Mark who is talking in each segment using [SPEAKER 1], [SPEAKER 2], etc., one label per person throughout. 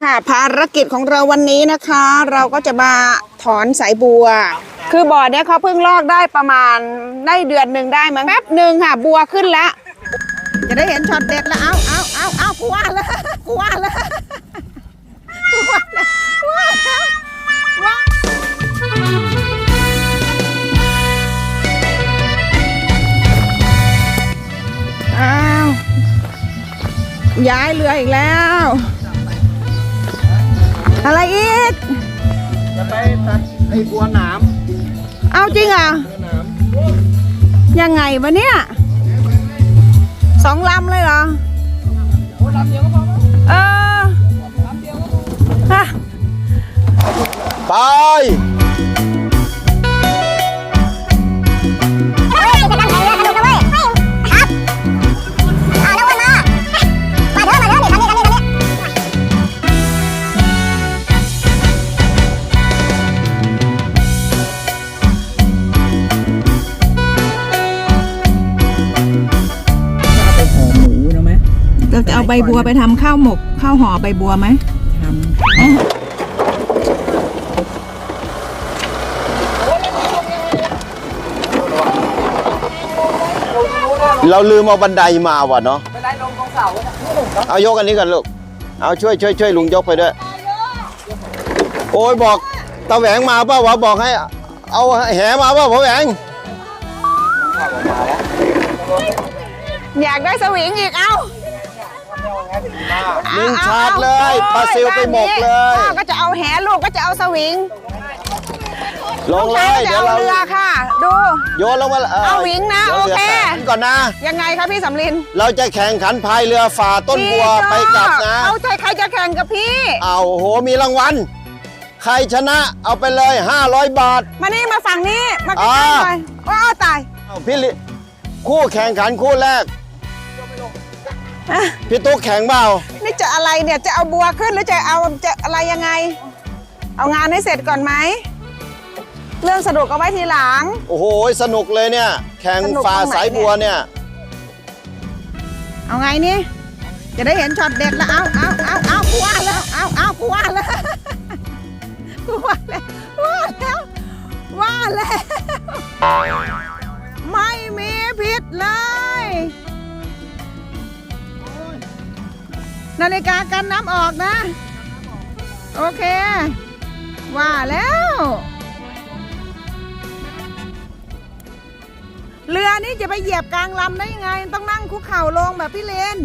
[SPEAKER 1] ค่ะภารกิจของเราวันนี้นะคะ เราก็จะมาถอนสายบัวคือบ่อเนี้ยเขาเพิ่งลอกได้ประมาณได้เดือนหนึ่งได้มั้งแป๊บหนึ่งค่ะบัวขึ้นแล้วจะได้เห็นช็อตเด็ดแล้วเอากูว่าแล้วกูว่าแล้วกูว่าแล้วว้าอ้าวย้ายเรืออีกแล้วอะไรอีก
[SPEAKER 2] จะไปตัดไอ้บัวหนาม
[SPEAKER 1] เอาจริงอ่ะยังไงวะเนี่ย2 ลำเลยเหรอลำเดียวก็พอลำเดียวก็พอ
[SPEAKER 2] ไป
[SPEAKER 1] เราจะเอาใบบัวไปทำข้าวหมกข้าวห่อใบบัวไหมท
[SPEAKER 2] ำเราลืมเอาบันไดมาว่ะเนาะบันไดลงตรงเสาเอายกอันนี้กันลูกเอาช่วยลุงยกไปด้วยโอ้ยบอกตาแหวงมาเปล่าวะบอกให้เอาแหมาเปล่าพ่อแหวง
[SPEAKER 1] อยากได้สวิงอีกเอา
[SPEAKER 2] ลิงชาร์จเลยปลาซิลไปหมกเลย
[SPEAKER 1] ก็จะเอาแหลูกก็จะเอาสวิง
[SPEAKER 2] ลงเลย
[SPEAKER 1] เดี๋ยวเราเรือค่ะดู
[SPEAKER 2] โยนลงมา
[SPEAKER 1] เอาวิงนะโอเค
[SPEAKER 2] ก่อนนะ
[SPEAKER 1] ยังไงคะพี่สำลิน
[SPEAKER 2] เราจะแข่งขันพายเรือฝ่าต้นบัวไปกลับนะ
[SPEAKER 1] เอาใจใครจะแข่งกับพี่
[SPEAKER 2] เอาโหมีรางวัลใครชนะเอาไปเลย500 บาท
[SPEAKER 1] มานี่มาฝั่งนี้มาใกล้ๆหน่อยว้าวตาย
[SPEAKER 2] พี่คู่แข่งขันคู่แรกพี่ตุ๊กแข่งเปล่า
[SPEAKER 1] นี่จะอะไรเนี่ยจะเอาบัวขึ้นหรือจะเอาจะอะไรยังไงเอางานให้เสร็จก่อนไหมเรื่องสนุกเอาไว้ทีหลัง
[SPEAKER 2] โอ้โหสนุกเลยเนี่ยแข่งฝ่าสายบัวเนี่ย
[SPEAKER 1] เอาไงนี่จะได้เห็นช็อตเด็ดแล้วเอากูว่าแล้วกูว่าแล้วไม่มีผิดเลยนาฬิกากันน้ำออกนะโอเคว่าแล้วเรือนี้จะไปเหยียบกลางลำได้ยังไงต้องนั่งคุกเข่าลงแบบพี่เลน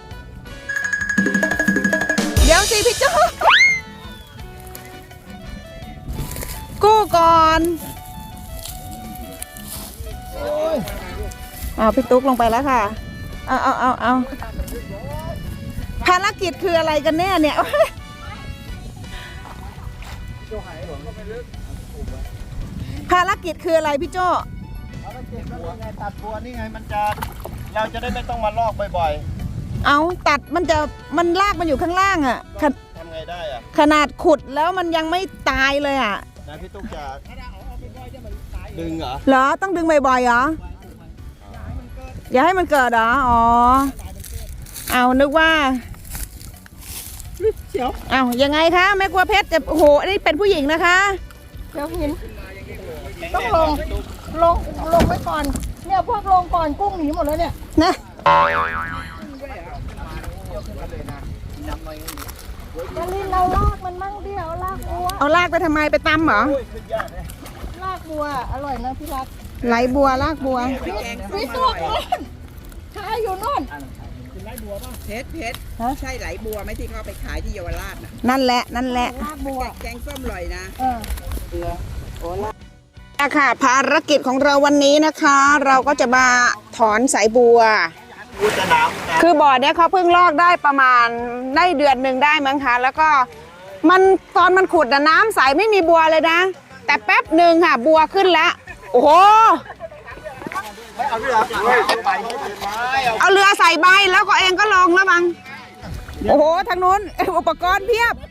[SPEAKER 1] เดี๋ยวสิพี่โจ้กู้ก่อนพี่ตุ๊กลงไปแล้วค่ะเอาภารกิจคืออะไรกันแน่เนี่ยภารกิจคืออะไรพี่โจ้
[SPEAKER 2] ตัดบัวนี่ไงมันจะเราจะได้ไม่ต้องมาลอกบ่อย
[SPEAKER 1] ๆเอาตัดมันลากมันอยู่ข้างล่างอ่ะ
[SPEAKER 2] ทำไงได้อ่ะ
[SPEAKER 1] ขนาดขุดแล้วมันยังไม่ตายเลยอ่ะ
[SPEAKER 2] นะพี่ตุ๊กจะดึงเหร
[SPEAKER 1] อต้องดึงบ่อยๆเหรออย่าให้มันเกิดเหรออ๋อเอานึกว่าเอายังไงคะแม่กลัวเพชรจะโอ้โหนี่เป็นผู้หญิงนะคะเดี๋ยวหินต้องลงไปก่อนเนี่ยพวกลงก่อนกุ้งหนีหมดแล้วเนี่ยนะจะลินเราลากมันมั่งดิเอาลากบัวเอาลากไปทำไมไปตำเหรอลากบัวอร่อยนะพี่รักไหลบัวลากบัวพี่ตัวนู้นขายอยู่นู่น
[SPEAKER 3] เพชรใช่ไหลบัวไหมที่เขาไปขายที่เยาวราชน่ะ
[SPEAKER 1] นั่นแหละ
[SPEAKER 3] ลากบัวแกงส้มอร่อยนะ
[SPEAKER 1] ค่ะภารกิจของเราวันนี้นะคะ เราก็จะมาถอนสายบัวคือบ่อเนี้ยเขาเพิ่งลอกได้ประมาณได้เดือนหนึ่งได้มั้งคะแล้วก็ตอนมันขุดน้ำใสไม่มีบัวเลยนะแต่แป๊บหนึ่งค่ะบัวขึ้นแล้วโอ้โหเอาเรือใส่ใบแล้วก็เองก็ลงแล้วบังโอ้โหทางนู้นอุปกรณ์เพียบ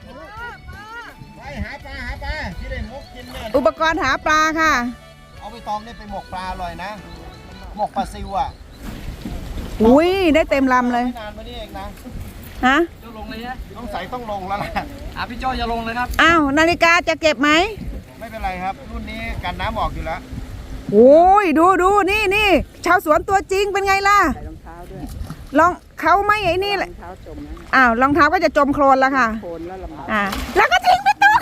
[SPEAKER 1] อุปกรณ์หาปลาค่ะ
[SPEAKER 2] เอาไปตองนี่ไปหมกปลาอร่อยนะหมกปลาซิวอ่ะ
[SPEAKER 1] อุ้ยได้เต็มลำเลย
[SPEAKER 2] นานมานี่เองนะ
[SPEAKER 1] ฮะ
[SPEAKER 4] โจลงเลยนะ
[SPEAKER 2] ต้องใส่ต้องลงแล้วล่ะ
[SPEAKER 4] พี่โจจะลงเลยครับ
[SPEAKER 1] อ้าวนาฬิกาจะเก็บไหม
[SPEAKER 2] ไม่เป็นไรครับ รุ่นนี้กันน้ำออกอยู่แล้ว
[SPEAKER 1] โอ้ยดูนี่ชาวสวนตัวจริงเป็นไงล่ะ
[SPEAKER 3] ใส่รองเท้าด้วย
[SPEAKER 1] ลองเขาไม่ไอ้นี่แห
[SPEAKER 3] ร
[SPEAKER 1] ละ
[SPEAKER 3] องเท้าจมนะ
[SPEAKER 1] อ้าวรองเท้าก็จะจมโคลนแล้วค่ะ
[SPEAKER 3] โคนแล้วลำบาก
[SPEAKER 1] แล้วก็ทิ้งไปตัว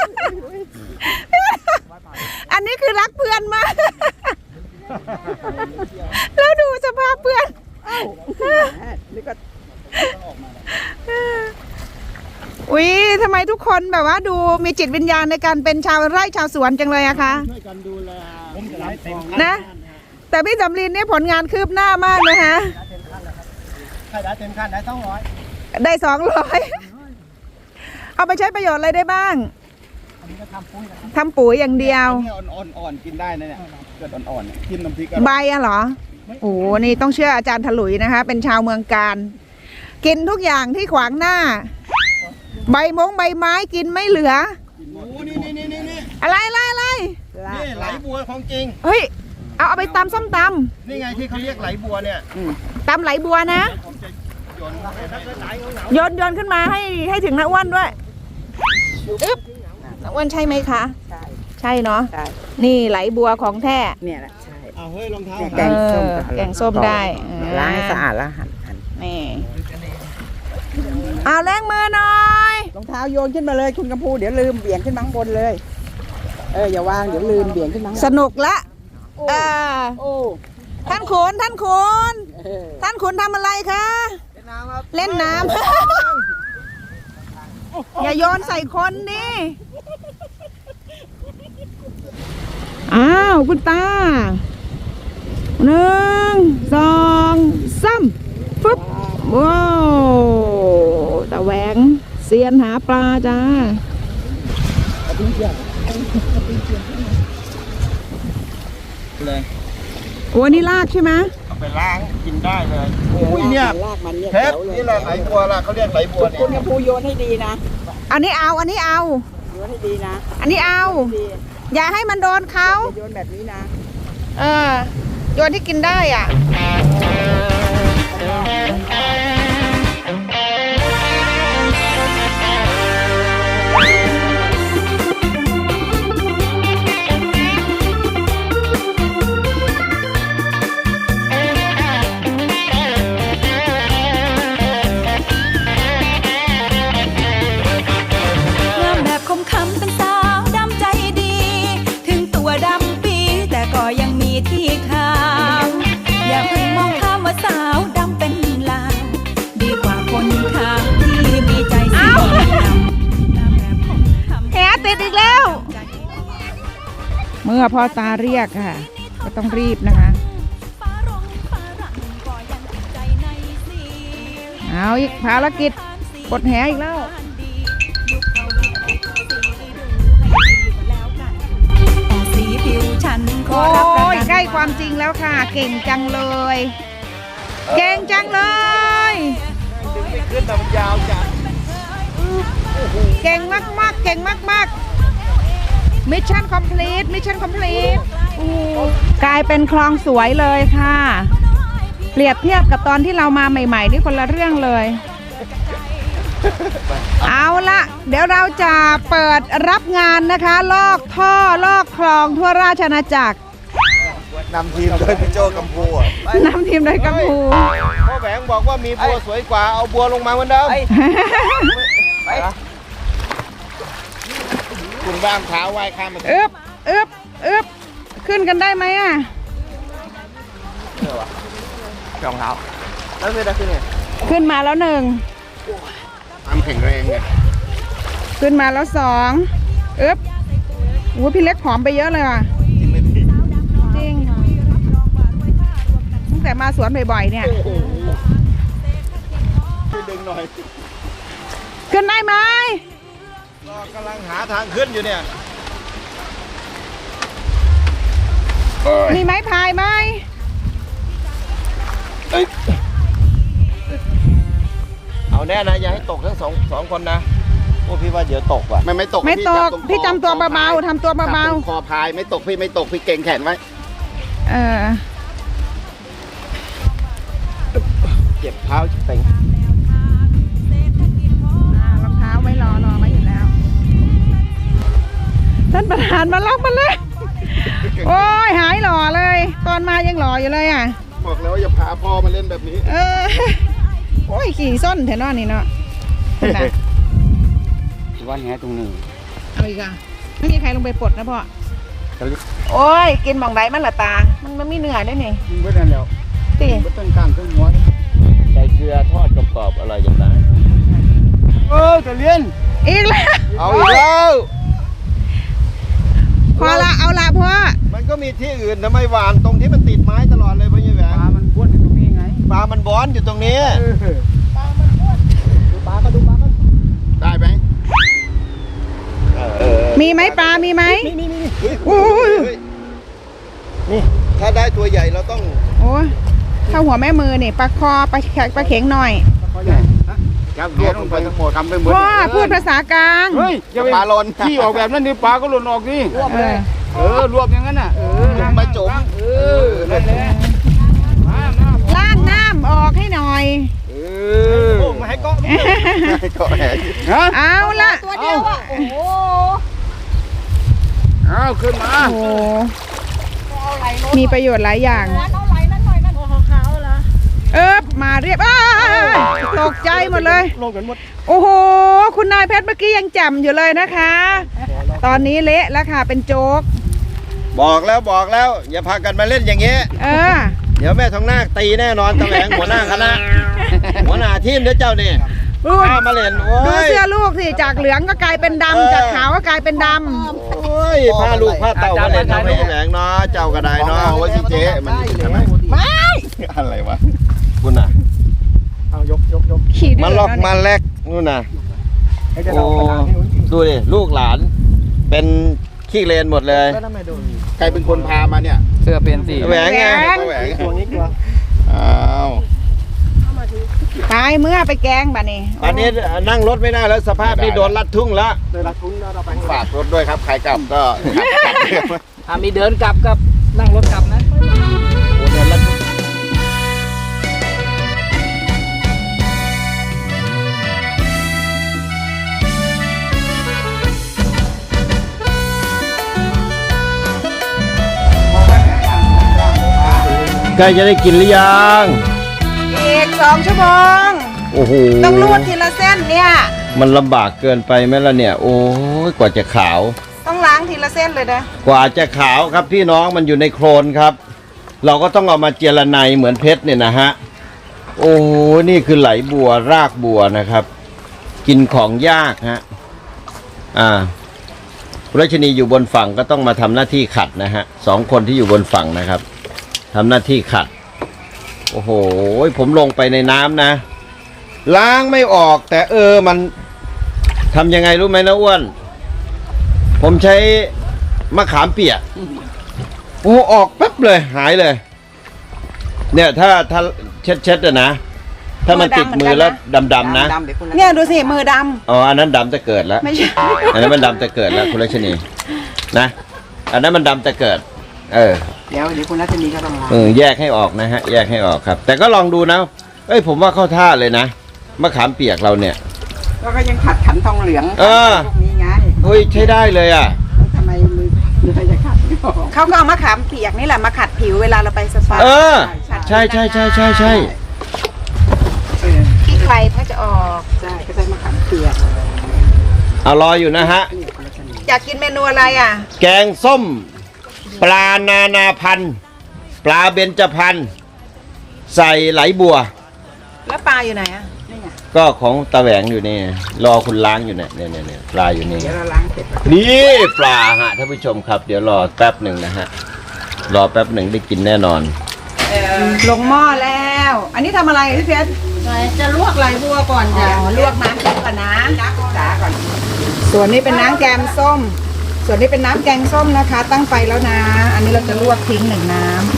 [SPEAKER 1] อันนี้คือรักเพื่อนมาก แล้วดูสภาพเพื่อน
[SPEAKER 3] นี่ก็
[SPEAKER 1] อุ๊ยทำไมทุกคนแบบว่าดูมีจิตวิญญาณในการเป็นชาวไร่ชาวสวนจังเลยอะคะ
[SPEAKER 2] ช่วยกันดูแลผมจะได้เต็ม
[SPEAKER 1] นะ แต่พี่สำลีนนี่ผลงานคืบหน้ามากเลยฮะ
[SPEAKER 2] ใครได้เต็มขั้นได้200
[SPEAKER 1] ได้200เอาไปใช้ประโยชน์อะไรได้บ้าง
[SPEAKER 2] อันนี้ก็ทำปุ้ยนะ
[SPEAKER 1] ทำปุ๋ยอย่างเดียว
[SPEAKER 2] นี่อ่อนๆกินได้นะเนี่ยเกิดอ่อนๆเนี่ยจิ้มน้ำพริก
[SPEAKER 1] ใบอะเหรอ โอ้โหนี่ต้องเชื่ออาจารย์ถลุยนะคะ เป็นชาวเมืองการ กินทุกอย่างที่ขวางหน้า ใบไม้กินไม่เหลือ
[SPEAKER 2] โอ้นี่
[SPEAKER 1] อะไร
[SPEAKER 2] นี่ไหลบัวของจริง
[SPEAKER 1] เฮ้ย เอาไปตำส้มต
[SPEAKER 2] นี่ไงที่เขาเรียกไหลบัวเนี่ย
[SPEAKER 1] ำตำไหลบัวนะ
[SPEAKER 2] ผมจะโยนเข้าไปถ้าเกิดไหลเหงา
[SPEAKER 1] โยนขึ้นมาให้ถึงน้าอ้วนด้วยอึ๊บน้าอ้วนใช่ไหมคะ
[SPEAKER 3] ใช่
[SPEAKER 1] ใช่เนาะ
[SPEAKER 3] ใช่
[SPEAKER 1] นี่ไหลบัวของแท้
[SPEAKER 3] เนี่ยแหละใช่
[SPEAKER 2] เอาเฮ้ยรองเท้า
[SPEAKER 3] แกงส้ม
[SPEAKER 1] แกงส้มได้
[SPEAKER 3] ล้างให้สะอาดแล้วหั่น
[SPEAKER 1] นี่เอาแรงมือหน่อย
[SPEAKER 3] รองเท้าโยนขึ้นมาเลยคุณกำพูเดี๋ยวลืมเบี่ยงขึ้นมาข้างบนเลย อย่าวางเดี๋ยวลืมเบี่ยงขึ้นมาข้างบน
[SPEAKER 1] สนุกละเออ
[SPEAKER 3] โอ้
[SPEAKER 1] ท่านขุนท่านขุนทำอะไรคะ เล่นน้ำ อย่าโยนใส่คนดิอ้าวคุณตา1 2 3ฟึบว้าวตาแหวงเซียนหาปลาจ้า
[SPEAKER 2] เลย
[SPEAKER 1] โอ้นี่ลากใช่ไหม
[SPEAKER 2] เอาไปล้างกินได้เลยโอ้ยเนี่ย
[SPEAKER 3] ลากมันเนี่ย
[SPEAKER 2] เพชรนี่แหละไหลบัวล่ะเขาเรียกไหลบัวเนี่ย
[SPEAKER 3] คุณกำพูโยนให้ดีนะ
[SPEAKER 1] อันนี้เอา
[SPEAKER 3] โยนให้ดีนะ
[SPEAKER 1] อันนี้เอา
[SPEAKER 3] ดี
[SPEAKER 1] อย่าให้มันโดนเขา
[SPEAKER 3] อย่าโยนแบบนี้นะ
[SPEAKER 1] โยนที่กินได้อ่ะ
[SPEAKER 5] งามแบบคมคำเป็นสาวดำใจดี ถึงตัวดำปีแต่ก็ยังมีที่ขาว อย่าเพิ่งมองข้ามว่าสาวดำเป็นลาว ดีกว่าคนขาวที่มีใจสีดำงามแบบคมคำ
[SPEAKER 1] แหติดอีกแล้ว เมื่อพ่อตาเรียกค่ะ ก็ต้องรีบนะคะ
[SPEAKER 5] ฟ้าร้องฟ้ารั่งก็ยังติดใจในสี
[SPEAKER 1] เอาอีกภารกิจกดแหอีกแล้ว
[SPEAKER 5] ยุคเขาวิกฤตสีดูให้ดีก็แล้วกันแต่สีผิวฉันขอ
[SPEAKER 1] โอ้
[SPEAKER 5] รับประ
[SPEAKER 1] ย
[SPEAKER 5] กัน
[SPEAKER 1] ใกล้ความจริงแล้วค่ะ เก่งจังเลย เก่งจังเลย
[SPEAKER 2] ดึงไม่ขึ้นแต่มันยาวจัด
[SPEAKER 1] เก่งมากๆ เก่งมากๆ มิชชั่นคอมพลีทมิชชั่นคอมพลีทกลายเป็นคลองสวยเลยค่ะ เปรียบเทียบกับตอนที่เรามาใหม่ๆนี่คนละเรื่องเลย เอาละเดี๋ยวเราจะเปิดรับงานนะคะ ลอกท่อลอกคลองทั่วราชอาณาจักร
[SPEAKER 2] นำทีมโดยพี่โจกัมพูอ่ะ
[SPEAKER 1] นำทีมโดยกัมพู
[SPEAKER 2] พ่อแหวงบอกว่ามีบัวสวยกว่าเอาบัวลงมาเหมือนเดิมไปคุณบ้ามเท้าไหว้ข้ามมา
[SPEAKER 1] อึบอึบอึบขึ้นกันได้ไหมอ่ะ
[SPEAKER 2] รองเท้าแล้วไม่ได้ขึ้นไง
[SPEAKER 1] ขึ้นมาแล้ว1
[SPEAKER 2] ความแข็งแรงไง
[SPEAKER 1] ขึ้นมาแล้ว2อึบโอ้พี่เล็กผอมไปเยอะเลยว่ะ
[SPEAKER 2] จริงไหมพี่
[SPEAKER 1] จริงตั้งแต่มาสวนบ่อยๆเนี่ย
[SPEAKER 2] ช่วยดึงหน่อย
[SPEAKER 1] ขึ้นได้ไหม
[SPEAKER 2] ก็กำลังหาทางขึ้นอยู่เนี่ย
[SPEAKER 1] มีไม้พายไหม
[SPEAKER 2] เอาแน่นะอย่าให้ตกทั้งสองคนนะโอ้พี่ว่าเดี๋ยวตกว่ะไม่ตก
[SPEAKER 1] ไม่ตกพี่จำตัวเบาๆทำตัวเบา
[SPEAKER 2] คอพายไม่ตกพี่ไม่ตกพี่เก่งแขนไว้
[SPEAKER 1] ๆ
[SPEAKER 2] เจ็บเท้าเต็ง
[SPEAKER 1] หันมาล็อกมันเลย โอ้ยหายหล่อเลย ตอนมายังหล่ออยู่เลยอ่ะ
[SPEAKER 2] บอกแล้วว่าอย่าพาพ่อมาเล่นแบบนี้
[SPEAKER 1] โอ้ยขี่ส้นแถวนอนนี่เนาะนะ
[SPEAKER 3] วันแหตรงนี้
[SPEAKER 1] เอาอีกอ่ะไม่มีใครลงไปปลดนะพ่อโอ้ยกินบ่องไดมันละตา มันไม่มีเนื้อได้ไง
[SPEAKER 3] มันก็นั่นแล้ว
[SPEAKER 1] ตี
[SPEAKER 3] มันต้นกลางต้นหัว
[SPEAKER 2] ใส่เกลือทอดกรอบๆอะไรอย่างนั้น
[SPEAKER 3] จะเลี้ยน
[SPEAKER 1] อีกแล้ว
[SPEAKER 2] เอาอีกแล้ว
[SPEAKER 1] พอละเอาละพ่อ
[SPEAKER 2] มันก็มีที่อื่นทำไมหวานตรงที่มันติดไม้ตลอดเลยพ่อใหญ่แหวง
[SPEAKER 3] ปลามันบ้วนอยู่ตรงนี้ไง
[SPEAKER 2] ปลามันบอนอยู่ตรงนี้
[SPEAKER 3] ดูปลาก็ดูปลาก็
[SPEAKER 2] ได้ไหม
[SPEAKER 1] มีไหมปลามีไหม
[SPEAKER 2] โอ้ยนี่ถ้าได้ตัวใหญ่เราต้อง
[SPEAKER 1] โอ้ยเข้าหัวแม่มือนี่ปลาคอปลาเข็งหน่อย
[SPEAKER 3] เขาใหญ่จับเลี้ยนลงไปทั้งหมดทำไปหมด
[SPEAKER 1] พ่อพูดภาษากลาง
[SPEAKER 3] เฮ้ยอย่าไป
[SPEAKER 2] ปลาลน
[SPEAKER 3] ที่ออกแบบนั้นดิปลาก็หล่นออกดิ รวบอย่างนั้นน่ะ
[SPEAKER 2] ลงมาจุ่ม
[SPEAKER 3] นั่นแหละมา
[SPEAKER 1] ล้างน้ำออกให้หน่อย
[SPEAKER 2] โอ้มาให้เกาะให้เกาะแหง
[SPEAKER 3] ฮะ
[SPEAKER 1] เอาละ
[SPEAKER 5] ตัวเดียวอ่ะ โอ้โห
[SPEAKER 3] เอาขึ้นมา
[SPEAKER 1] โอ้มีประโยชน์หลายอย่าง
[SPEAKER 5] เอาไหลนั่นหน่อยนั่นของเขาเหรอ
[SPEAKER 1] มาเรียบตกใจหมดเลย
[SPEAKER 2] ลงกันหมด
[SPEAKER 1] โอ้โห คุณนายเพชรเมื่อกี้ยังแจ่มอยู่เลยนะคะ ตอนนี้เละแล้วค่ะเป็นโจ๊ก
[SPEAKER 2] บอกแล้ว อย่าพากันมาเล่นอย่างนี้ เดี๋ยวแม่ทองนาคตีแน่นอนตะแหวงหัวหน้าคณะ หัวหน้าทีมเด้อเจ้านี่ข้ามาเล่นโอ้
[SPEAKER 1] ดู
[SPEAKER 2] ย
[SPEAKER 1] เสื้อลูกสิจากเหลืองก็กลายเป็นดำจากขาวก็กลายเป็นด
[SPEAKER 2] โอ้ยพาลูกพาเต่ามาเล่นทำไมแหวงเนาะเจ้าก็ได้เนาะว่าสิเจ๊มันใช่ไหมไม่อะไรวะคุณน่ะ
[SPEAKER 3] เอายก
[SPEAKER 1] ำขี่ดื้
[SPEAKER 2] มาล็อก
[SPEAKER 1] แล้ว
[SPEAKER 2] มา
[SPEAKER 1] เนี่ย
[SPEAKER 2] แลกนู่นน่ะ
[SPEAKER 3] ให้จะ
[SPEAKER 2] โอ้
[SPEAKER 3] เอากระดาษให้หนุน
[SPEAKER 2] ดูดิลูกหลาน เป็นขี้เลนหมดเลย
[SPEAKER 6] ใครเป็นคนพามาเนี่ย
[SPEAKER 3] เสื้อเป็นสี
[SPEAKER 2] แหวงไงแหวง
[SPEAKER 6] ตัวนี้ตัวอ้าว
[SPEAKER 1] ตายเมื่อไปแกงบ่นี่
[SPEAKER 2] อันนี้นั่งรถไม่ได้แล้วสภาพนี่โดนลัดทุ่งแล้ว
[SPEAKER 6] ฝากรถด้วยครับ ใครกลับก็ขับ
[SPEAKER 4] มีเดินกลับกับนั่งรถกลับนะ
[SPEAKER 2] โอ้โดนลัดทุ่งใกล้จะได้กินหรือยัง
[SPEAKER 1] อีก2 ชั่วโมง
[SPEAKER 2] โอ้โห
[SPEAKER 1] ต้องรูดทีละเส้นเนี่ย
[SPEAKER 2] มันลำบากเกินไปไหมล่ะเนี่ย โอ้ยกว่าจะขาว
[SPEAKER 1] ต้องล้างทีละเส้นเลยนะ
[SPEAKER 2] กว่าจะขาวครับพี่น้องมันอยู่ในโคลนครับ เราก็ต้องเอามาเจรไนเหมือนเพชรเนี่ยนะฮะ โอ้นี่คือไหลบัวรากบัวนะครับ กินของยากฮะคุณรัชนีอยู่บนฝั่งก็ต้องมาทำหน้าที่ขัดนะฮะ2 คนที่อยู่บนฝั่งนะครับทำหน้าที่ขัด โอ้โหผมลงไปในน้ำนะ ล้างไม่ออกแต่มันทำยังไงรู้ไหมนะอ้วน ผมใช้มะขามเปียกโอ้ออกแป๊บเลยหายเลย เนี่ยถ้าเช็ดนะ ถ้ามันติดมือแล้วดำๆนะ
[SPEAKER 1] เนี่ยดูสิมือด
[SPEAKER 2] อ๋ออันนั้นดำจะเกิดแล้ว
[SPEAKER 1] ำไม่ใช่
[SPEAKER 2] อันนั้นมันดำจะเกิดแล้วคุณรัชนีนะอันนั้นมันดำจะเกิด
[SPEAKER 3] เดี๋ยวคุณรัชนีก็ต้องล้าง
[SPEAKER 2] แยกให้ออกนะฮะแยกให้ออกครับ แต่ก็ลองดูนะผมว่าเข้าท่าเลยนะมะขามเปียกเราเนี่ย
[SPEAKER 3] แล้วก็ยังขัดขันทองเหลืองพวกนี้ไง
[SPEAKER 2] เฮ้ยใช้ได้เลยอ่ะ
[SPEAKER 3] ทำไมมือจะขัดไม่ออก
[SPEAKER 1] เขาก็เอามะขามเปียกนี่แหละมาขัดผิวเวลาเราไปสปา
[SPEAKER 2] ใช่
[SPEAKER 1] ขี้ใครถ้าจะออก
[SPEAKER 3] ใช่ก็ใช้มะขามเปียก
[SPEAKER 2] เอารออยู่นะฮะ
[SPEAKER 1] อยากกินเมนูอะไรอ่ะ
[SPEAKER 2] แกงส้ม ปลานานาพันธุ์ปลาเบญจพรรณใส่ไหลบัว
[SPEAKER 1] แล้วปลาอยู่ไหนอ่ะ
[SPEAKER 2] ก็ของตะแหวงอยู่นี่รอคุณล้างอยู่เนี่ยปลาอยู่นี่
[SPEAKER 3] เดี๋ยวเราล้างเสร็จ
[SPEAKER 2] นี่ปลาฮะท่านผู้ชมครับเดี๋ยวรอแป๊บหนึ่งนะฮะรอแป๊บหนึ่งได้กินแน่นอน
[SPEAKER 1] ลงหม้อแล้ว อันนี้ทำอะไรพี่เพชรจะลวกไหลบัวก่อนจ้ะลวกน้ำก่อนนะส่วนนี้เป็นน้ำแกงส้ม ส่วนนี้เป็นน้ำแกงส้มนะคะ ตั้งไฟแล้วนะ อันนี้เราจะลวกทิ้ง1 น้ำ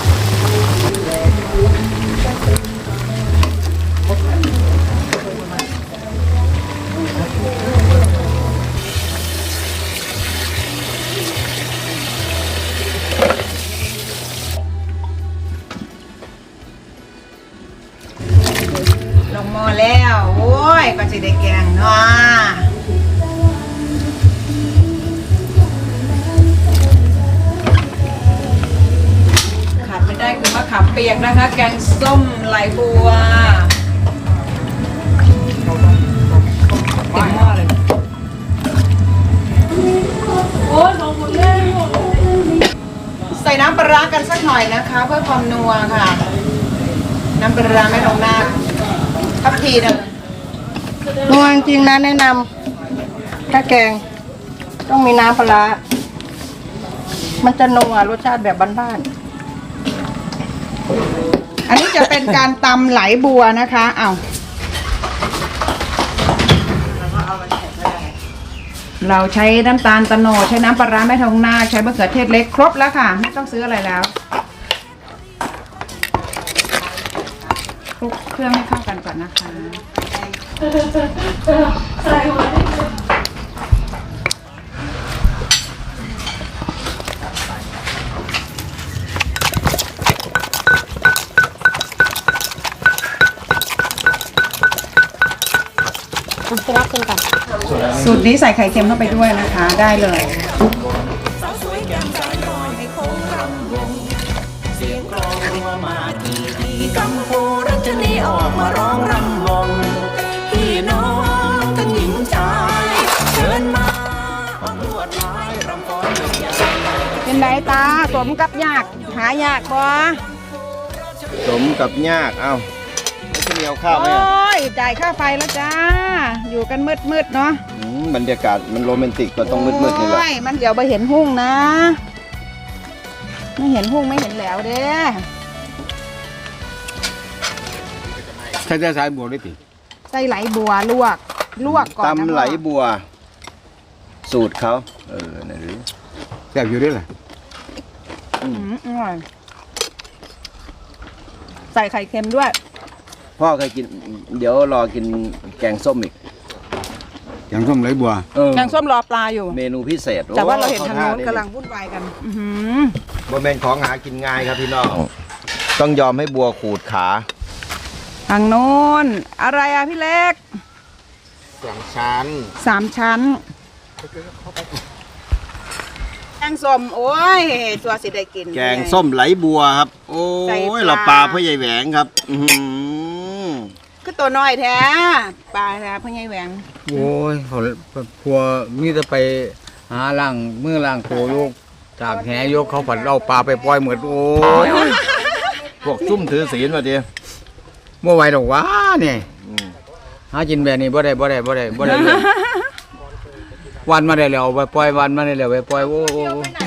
[SPEAKER 1] ลงหม้อแล้วโอ้ยก็จะได้แกงเนาะปียกนะคะ แกงส้มไหลบัวเต็มหม้อเลยใส่น้ำปลาร้ากันสักหน่อยนะคะ เพื่อความนัวค่ะ น้ำปลาร้าไม่ลงหน้าทับทีหนึง
[SPEAKER 3] นัวจริงๆนะแนะนำถ้าแกงต้องมีน้ำปลาร้ามันจะนัวรสชาติแบบบ้านๆ
[SPEAKER 1] อันนี้จะเป็นการตำไหลบัวนะคะเอาเราใช้น้ำตาลตะโนดใช้น้ำปลาร้าแม่ทองนาคใช้มะเขือเทศเล็กครบแล้วค่ะไม่ต้องซื้ออะไรแล้วคลุกเครื่องให้เข้ากันก่อนนะคะสูตรนี้ใส่ไข่เค็มเข้าไปด้วยนะคะได้เลย
[SPEAKER 5] กัมพูรัชนีออกมาร้องรำวงพี่น้องทั้งหญิงชายเชิญมาออกลวดลายรำฟ้อน
[SPEAKER 1] เป็นไรตาสมกับยากหายากบ่
[SPEAKER 2] สมกับยากเอ้าไม่ใช่มีเอาข้าวไหม
[SPEAKER 1] โอ้
[SPEAKER 2] อะ
[SPEAKER 1] ยจ่ายค่าไฟแล้วจ้าอยู่กันมืดๆเนาะ
[SPEAKER 2] บรรยากาศมันโรแมนติกก็ต้องมืดๆนี่แหละ
[SPEAKER 1] โอ้ยมันเดี๋ยวไปเห็นหุ่งนะ ไม่เห็นหุ่งไม่เห็นแล้วเด้
[SPEAKER 6] ใช้ได้สายบัวได้ติ
[SPEAKER 1] ใส่ไหลบัวลวกก่อนนะ
[SPEAKER 2] ตำไหลบัว สูตรเขานั่นหรือ
[SPEAKER 6] แซ่บอยู่ด้วยแหละ
[SPEAKER 1] อร่อยใส่ไข่เค็มด้วย
[SPEAKER 2] พ่อเคยกิน เดี๋ยวรอกินแกงส้มอีก
[SPEAKER 6] อย่างส้มไหลบัว
[SPEAKER 1] แกงส้มรอปลาอยู่
[SPEAKER 2] เมนูพิเศษ
[SPEAKER 1] แต่ว่าเราเห็น
[SPEAKER 2] โอ้
[SPEAKER 1] ทางโน้น
[SPEAKER 2] ข้
[SPEAKER 1] กำลังวุ่นวายกัน
[SPEAKER 2] บ่แม่นของหากินง่ายครับพี่น้อง ต้องยอมให้บัวขูดขา
[SPEAKER 1] ทางโน้นอะไรอ่ะพี่เล็ก
[SPEAKER 6] ชั้น
[SPEAKER 1] 3 ชั้นแกงส้มโอ้ยตัวสิได้กิน
[SPEAKER 2] แกงส้มไหลบัวครับ โอ้
[SPEAKER 1] ใส่
[SPEAKER 2] ย
[SPEAKER 1] ปลา
[SPEAKER 2] เราปลาพ่อใหญ่แหวงครับ อื้อหือ
[SPEAKER 1] คือตัวน้อยแท้ปลาแท้พ่อใหญ่แหวง
[SPEAKER 4] โอ้ยเขาพัวมีแต่ไปหาล่างมือล่างโตลูกจากแหยกเขาผัดเอาปลาไปปล่อยเหมือนโอ้ย
[SPEAKER 2] พวกซุ่มถือศีลมาดิ
[SPEAKER 4] เมื่อไหวดอกว่าเนี่ยหากินแบบนี้บ่ได้เลยวันมาได้แล้วไปปล่อยวันมาได้แล้วไปปล่อยโอ้